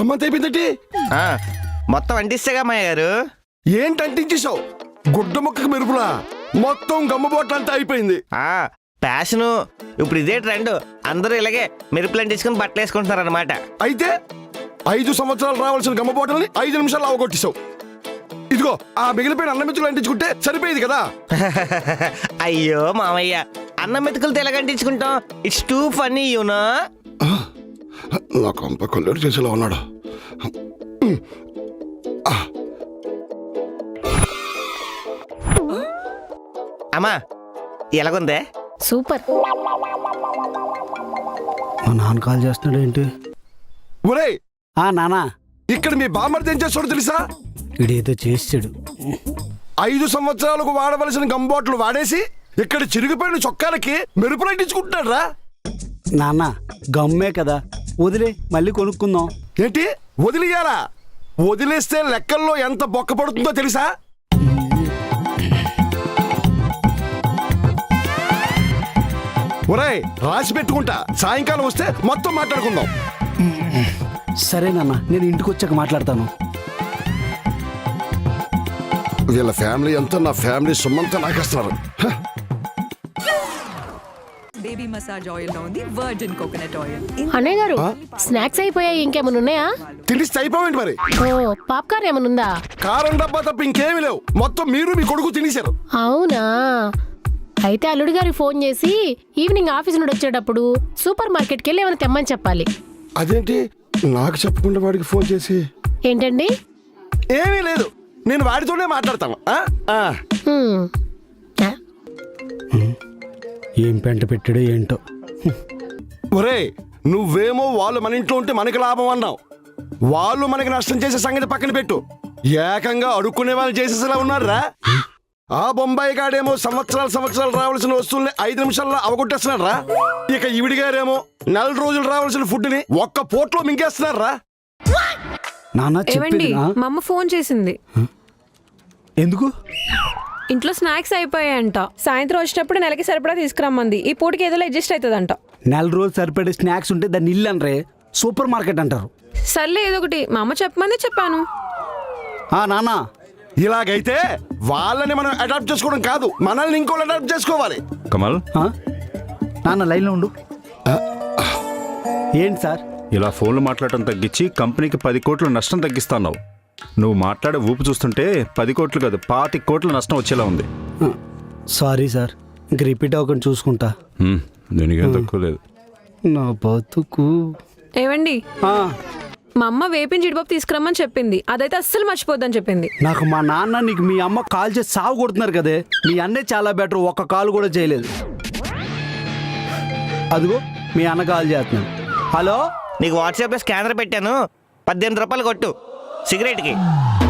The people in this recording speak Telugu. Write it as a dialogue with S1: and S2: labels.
S1: 1 month అయిపోయిందంటే
S2: మొత్తం అంటిస్తేగా మాయ గారు.
S1: ఏంటి అంటించేసావు? గుడ్డ మొక్కకు మెరుపులా మొత్తం గమ్మబోట్ల అంతా అయిపోయింది.
S2: ప్యాషను ఇప్పుడు ఇదే ట్రెండ్. అందరూ ఇలాగే మెరుపులు అంటించుకుని బట్టలు వేసుకుంటున్నారు అనమాట.
S1: అయితే 5 సంవత్సరాలు రావాల్సిన గమ్మబోటల్ని 5 నిమిషాలు అవగొట్టేశావు. ఇదిగో ఆ మిగిలిపోయిన అన్నం మెతుకులు అంటించుకుంటే సరిపోయేది కదా.
S2: అయ్యో మామయ్య, అన్నం మెతుకులతో ఎలాగ అంటించుకుంటాం? It's too funny you know.
S1: నా కొంప కొల్లేరు చేసేలా ఉన్నాడు.
S2: అమ్మా ఎలాగుందే?
S3: సూపర్.
S4: మా నాన్న కాల్ చేస్తున్నాడు ఏంటి?
S1: ఒరే
S4: నానా,
S1: ఇక్కడ మీ బామ్మర్ది ఏం చేస్తాడో తెలుసా?
S4: ఇడేదో చేసాడు.
S1: 5 సంవత్సరాలకు వాడవలసిన గంబోట్లు వాడేసి ఇక్కడ చిరిగిపోయిన చొక్కాలకి మెరుపులు అంటించుకుంటున్నాడు రా.
S4: నాన్న గమ్మే కదా, వదిలే, మళ్ళీ కొనుక్కుందాం.
S1: ఏంటి వదిలేయాలా? వదిలేస్తే లెక్కల్లో ఎంత బొక్క పడుతుందో తెలుసా? ఒరేయ్ రాసి పెట్టుకుంటా, సాయంకాలం వస్తే మొత్తం మాట్లాడుకుందాం.
S4: సరే నాన్న, నేను ఇంటికి వచ్చాక మాట్లాడతాను.
S1: వీళ్ళ ఫ్యామిలీ అంతా నా ఫ్యామిలీ సొమ్మంతా నాకేస్తున్నారు.
S5: బేబీ మసాజ్ ఆయిల్ లో ఉంది వర్జిన్ కోకోనట్ ఆయిల్.
S3: అన్నయ్య గారు స్నాక్స్ అయిపోయాయి, ఇంకేమైనా ఉన్నాయా?
S1: తిండిస్తే అయిపోయింది మరి.
S3: ఓ పాప్కార్న్ ఏమైనా ఉందా?
S1: కారం డబ్బా తప్ప ఇంకేమీ లేవు. మొత్తం మీరు మీ కొడుకు తినేశారు.
S3: అవునా? అయితే అల్లుడి గారికి ఫోన్ చేసి ఈవినింగ్ ఆఫీస్ నుండి వచ్చేటప్పుడు సూపర్ మార్కెట్కి వెళ్ళి ఏమైనా తెమ్మని చెప్పాలి.
S1: అదేంటి నాకు చెప్పకుండా వాడికి ఫోన్ చేసి?
S3: ఏంటండి?
S1: ఏమీ లేదు, నేను వాడితోనే మాట్లాడతాను.
S4: ఏం పెంట పెట్టాడో ఏంటో.
S1: ఒరే నువ్వేమో వాళ్ళు మన ఇంట్లో ఉంటే మనకి లాభం అన్నావు. వాళ్ళు మనకి నష్టం చేసే సంగతి పక్కన పెట్టు. ఏకంగా అడుక్కునే వాళ్ళు చేసేసేలా ఉన్నారా? ఆ బొంబాయి గాడేమో సంవత్సరాలు రావాల్సిన వస్తువుల్ని 5 నిమిషాల్లో అవగొట్టేస్తున్నాడు రా. ఇక ఈవిడి గారేమో 4 రోజులు రావాల్సిన ఫుడ్ ని ఒక్క పోట్లో మింగేస్తున్నారు రా.
S4: నాన్న చెప్పండి.
S6: మా అమ్మ ఫోన్ చేసింది.
S4: ఎందుకు?
S6: ఇంట్లో స్నాక్స్ అయిపోయాయంట, సాయంత్రం వచ్చేటప్పుడు నెలకి సరిపడా తీసుకురమ్మంది. ఈ పూటకి ఏదో అడ్జస్ట్ అవుతుందంట.
S4: 4 రోజులు సరిపడే స్నాక్స్ ఉంటే దాన్ని ఇల్లు అనరే, సూపర్ మార్కెట్ అంటారు.
S6: సర్లే ఏదో ఒకటి, మా అమ్మ చెప్పమంది చెప్పాను.
S4: నాన్న
S1: ఇలాగైతే వాళ్ళని మనం అడాప్ట్ చేసుకోవడం కాదు, మనల్ని ఇంకోళ్ళు అడాప్ట్ చేసుకోవాలి.
S7: కమల్,
S4: నాన్న లైన్లో ఉండు. ఏంటి సార్?
S7: ఇలా ఫోన్లు మాట్లాడటం తగ్గించి కంపెనీకి 10 కోట్ల నష్టం తగ్గిస్తున్నావు. నువ్వు మాట్లాడే ఊపు చూస్తుంటే 10 కోట్లు కాదు 25 కోట్ల నష్టం వచ్చేలా ఉంది.
S4: సారీ సార్, ఇంక రిపీట్ అవ్వకుండా చూసుకుంటా.
S7: దీనికేం తక్కువ లేదు.
S4: నా బతుకు.
S6: ఏవండి, మా అమ్మ వేపిన జీడిపప్పు తీసుకురమ్మని చెప్పింది, అదైతే అస్సలు మర్చిపోద్దని చెప్పింది.
S4: నాకు మా నాన్న నీకు మీ అమ్మ కాల్ చేసి సాగు కొడుతున్నారు కదే, మీ అన్నే చాలా బెటర్, ఒక్క కాల్ కూడా చేయలేదు. అదిగో మీ అన్న కాల్ చేస్తున్నాను. హలో,
S2: నీకు వాట్సాప్లో స్కానర్ పెట్టాను, 18 రూపాయలు కొట్టు సిగరెట్కి.